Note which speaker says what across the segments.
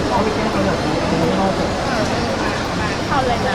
Speaker 1: เขาไม่แก้เขาแบบไม่รอด
Speaker 2: เข้าเลยนะ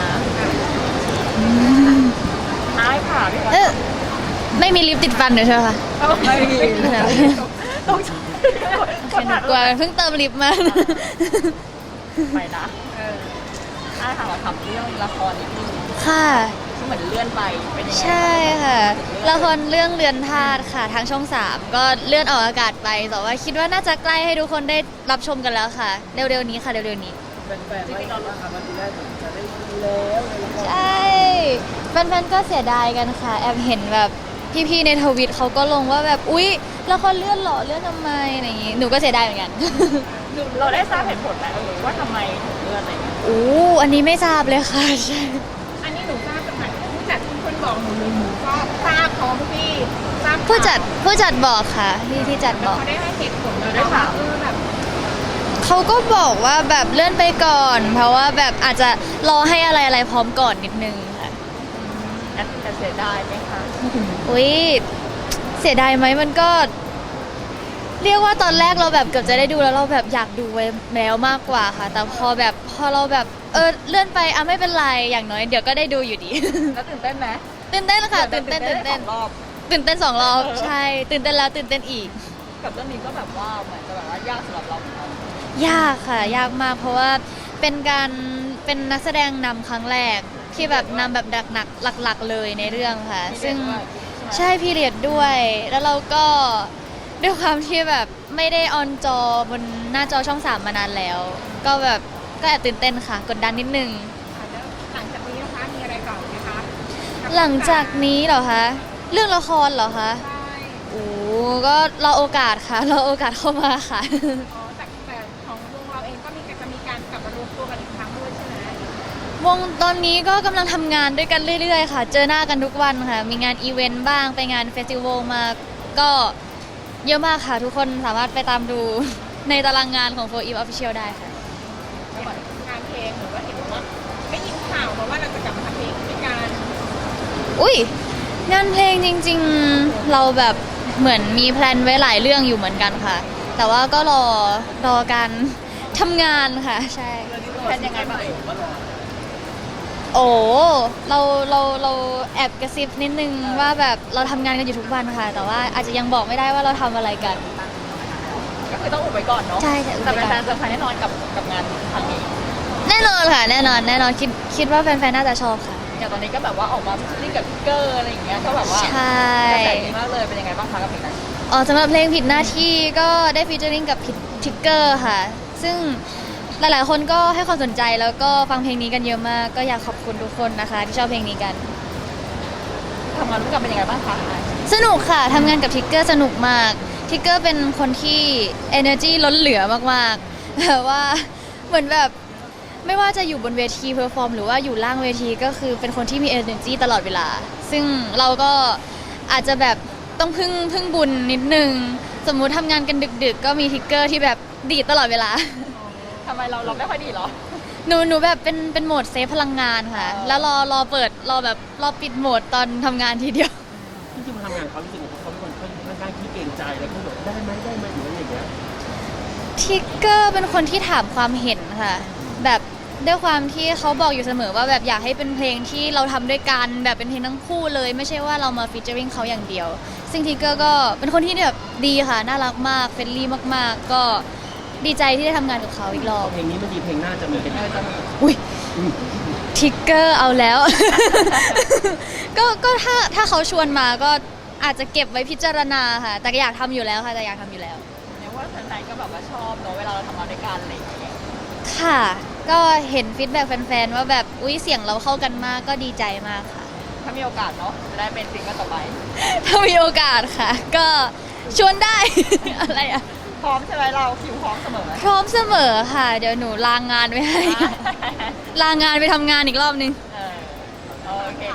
Speaker 2: อ้ายค่ะพี่
Speaker 3: ไม่มีลิปติดฟันเดี๋ยวใช่ไหมคะ
Speaker 2: ไม่มีต้อง
Speaker 3: กลัวเพิ่งเติมลิปมา
Speaker 2: ไปนะอ้ายค่ะมาทำเรื่องละครนิดนึง
Speaker 3: ค่ะ
Speaker 2: ที่เหมือนเลื่อนไปเป็นยังไง
Speaker 3: ใช่ค่ะละครเรื่องเรือนธาตุค่ะทางช่อง 3ก็เลื่อนออกอากาศไปแต่ว่าคิดว่าน่าจะใกล้ให้ทุกคนได้รับชมกันแล้วค่ะเร็วๆนี้ค่ะเร็วๆนี้
Speaker 1: เป็นแฟนๆว่าเราทำวันที่แรกจะได้ดูแล้วในละคร
Speaker 3: ใช่แฟนๆก็เสียดายกันค่ะแอบเห็นแบบพี่ๆในทวิตเขาก็ลงว่าแบบอุ๊ยละครเลื่อนเหรอเลื่อนทำไมอะไรอย่างงี้หนูก็เสียดายเหมือนกัน
Speaker 2: เราได้ทราบเหตุผลไหมว่าทำไมถึงเลื่อนอะไรอย่างเงี้ย
Speaker 3: อันนี้ไม่ทราบเลยค่ะใช่
Speaker 4: อันนี้หนูทราบจากไหนผู้จัดทุกคนบอกหนูเลยหนูก็ทราบพร้อมพี่ทราบ
Speaker 3: ผู้จัดบอกค่ะที่จัดบอก
Speaker 4: เขาได้ให้เหตุผลเราได้ถามแบบ
Speaker 3: เขาก็บอกว่าแบบเลื่อนไปก่อน เพราะว่าแบบอาจจะรอให้อะไรพร้อมก่อนนิดนึงค่ะ
Speaker 2: จะเสียดายไหมคะ
Speaker 3: อุ๊ยเสียดายไหมมันก็ เรียกว่าตอนแรกเราแบบเกือบจะได้ดูแล้วเราแบบอยากดูไว้แล้วมากกว่าค่ะ แต่พอเราแบบเลื่อนไปไม่เป็นไรอย่างน้อยเดี๋ยวก็ได้ดูอยู่ดี
Speaker 2: แล้วตื่นเต้นไหม
Speaker 3: ตื่นเต้นค่ะตื่นเต้น
Speaker 2: สองรอบ
Speaker 3: ตื่นเต้น2 รอบใช่ตื่นเต้นแล้วตื่นเต้นอีก
Speaker 2: กับเรื่องนี้ก็แบบว่าเหมือนจะแบบว่ายากสำหรับเราเหมือนกัน
Speaker 3: ยากค่ะยากมากเพราะว่าเป็นนักแสดงนำครั้งแรกที่แบบนำแบบหนักๆหลักๆเลยในเรื่องค่ะ ซึ่งใช่พีเรียดด้วย แล้วเราก็ด้วยความที่แบบไม่ได้ออนจอบนหน้าจอช่อง 3มานานแล้ว ก็แบบก็แอบตื่นเต้นค่ะกดดันนิดนึง
Speaker 4: หลังจากนี้นะคะมีอะไรต่อไหมคะ
Speaker 3: หลังจากนี้เหรอคะเรื่องละครเหรอคะ
Speaker 4: ใช่
Speaker 3: ก็รอโอกาสค่ะรอโอกาสเข้ามาค่ะ
Speaker 4: อ๋อแต่ของวงเราเองก็จะมีการกลับมารวมตัวกันอีกครั้งด้วยใช่ไหม
Speaker 3: วงตอนนี้ก็กำลังทำงานด้วยกันเรื่อยๆค่ะ เจอหน้ากันทุกวันค่ะ มีงานอีเวนต์บ้าง ไปงานเฟสติวัลมา ก็เยอะมากค่ะ ทุกคนสามารถไปตามดู ในตารางงานของ 4EVE Official ได้ค่ะ
Speaker 4: งานเพลงหรือว่าเห็นว่าได้ยินข่าวมาว่าเราจะกลับมาทำเพลงด้วยกัน
Speaker 3: อุ้ยงานเพลงจริงๆ เราแบบเหมือนมีแพลนไว้หลายเรื่องอยู่เหมือนกันค่ะ แต่ว่าก็รอการทำงานค่ะ ใช่
Speaker 2: แทนยังไงบ้าง
Speaker 3: โอ้เราแอบกระซิบนิดนึงว่าแบบเราทำงานกันอยู่ทุกวันค่ะ แต่ว่าอาจจะยังบอกไม่ได้ว่าเราทำอะไรกัน
Speaker 2: ก็คือต้องอุบไว้ก่อนเนาะ
Speaker 3: ใช่ค่ะอุบ
Speaker 2: แต่
Speaker 3: ไว้
Speaker 2: เป็น
Speaker 3: ก่อน
Speaker 2: แฟนเซอร์ไพรส์แน่นอนกับงานครั้งนี้
Speaker 3: แน่นอนค่ะแน่นอนคิดว่าแฟนๆน่าจะชอบค่ะ
Speaker 2: อย่างตอนนี้ก็แบบว่าออกมาพิชกับพิกเกอร์อะไรอย่างเงี้ยก็แบบว่า
Speaker 3: ใช่
Speaker 2: กระแสดีมากเลยเป็นยังไงบ้างคะกับเพลงนั้น
Speaker 3: สำหรับเพลงผิดหน้าที่ก็ได้ฟีเจอริ่งกับทิกเกอร์ค่ะ ซึ่งหลายๆคนก็ให้ความสนใจแล้วก็ฟังเพลงนี้กันเยอะมาก ก็อยากขอบคุณทุกคนนะคะ ที่ชอบเพลงนี้กัน
Speaker 2: ทำงานร่วมกันเป็นยังไงบ้างคะ
Speaker 3: สนุกค่ะทำงานกับทิกเกอร์สนุกมากทิกเกอร์เป็นคนที่ energy ล้นเหลือมากๆแบบว่าเหมือนแบบไม่ว่าจะอยู่บนเวทีเพอร์ฟอร์มหรือว่าอยู่ล่างเวทีก็คือเป็นคนที่มี energy ตลอดเวลา ซึ่งเราก็อาจจะแบบต้องพึ่งบุญนิดนึง สมมุติทำงานกันดึกๆ ก็มีทิกเกอร์ที่แบบดีดตลอดเวลา
Speaker 2: ทำไมเราไม่ค่อยดีเหรอ
Speaker 3: หนูแบบเป็นโหมดเซฟพลังงานค่ะ แล้วรอเปิดรอปิดโหมดตอนทำงานทีเดียว
Speaker 1: ที่จริงมาทำงานเขารู้สึกว่าเขาเป็นคนค่อนข้างขี้เกรงใจแล้วก็แบบได้ไหมหรืออะไรอย่างเงี้ย
Speaker 3: ทิกเกอร์เป็นคนที่ถามความเห็นค่ะ แบบด้วยความที่เขาบอกอยู่เสมอว่าแบบอยากให้เป็นเพลงที่เราทำด้วยกันแบบเป็นเพลงทั้งคู่เลยไม่ใช่ว่าเรามาฟีเจอริงเขาอย่างเดียว ซึ่งทิกเกอร์ก็เป็นคนที่แบบดีค่ะน่ารักมากเฟรนลี่มากๆ ก็ดีใจที่ได้ทำงานกับเขาอีกรอบ
Speaker 1: เพลงนี้มันดีเพลงหน้าจะมีเป็นยังไงบ้าง
Speaker 3: อุ้ยทิกเกอร์เอาแล้ว ก็ถ้าเขาชวนมาก็อาจจะเก็บไว้พิจารณาค่ะ แต่ก็อยากทำอยู่แล้วค่ะแต่อยากทำอยู่แล้ว
Speaker 2: เนี่ยว่าแฟนๆก็แบบว่าชอบเนาะเวลาเราทำงานด้วยกันอะไรอย่างเงี้ย
Speaker 3: ค่ะ ก็เห็นฟีดแบ็กแฟนๆว่าแบบอุ้ยเสียงเราเข้ากันมากก็ดีใจมากค่ะ
Speaker 2: ถ้ามีโอกาสเนาะจะได้เป็นซิงเกิลต่อไป
Speaker 3: ถ้ามีโอกาสค่ะ ก็ชวนได้ อะไรอะ
Speaker 2: พร้อมใช่ไหมเราคิวพร้อมเสมอ
Speaker 3: พร้อมเสมอค่ะ เดี๋ยวหนูลางงานไว้ให้ ลางานไปทำงานอีกรอบนึง
Speaker 2: เออโอเค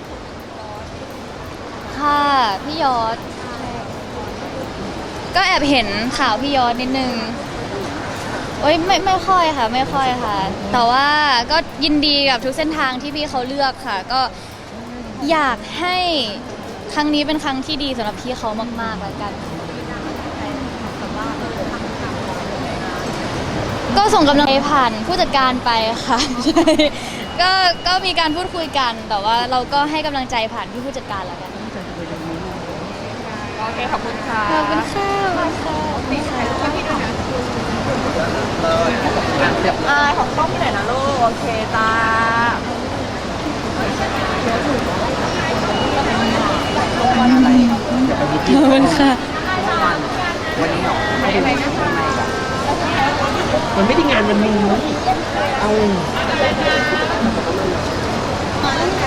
Speaker 3: ค่ะ พี่ยอด ก็แอบเห็นข่าวพี่ยอดนิดนึงโอ้ยไม่ค่อยค่ะ ไม่ค่อยค่ะ แต่ว่าก็ยินดีกับทุกเส้นทางที่พี่เขาเลือกค่ะ ก็อยากให้ครั้งนี้เป็นครั้งที่ดีสำหรับพี่เขามากๆแล้วกัน
Speaker 4: อ
Speaker 3: ก็ส่งกำลังใจผ่านผู้จัดการไปค่ะ ใช่ก็มีการพูดคุยกัน แต่ว่าเราก็ให้กำลังใจผ่านที่ผู้จัดการแล้วกัน
Speaker 2: โอเคขอบคุณค่ะ
Speaker 3: ขอบคุณค่ะขอบคุณค่ะ
Speaker 2: ของกล้องที่ไหนนะลูกโอเคจ้า
Speaker 3: ขอบคุณค่ะ
Speaker 1: มันไม่ได้งานวันนี้เอา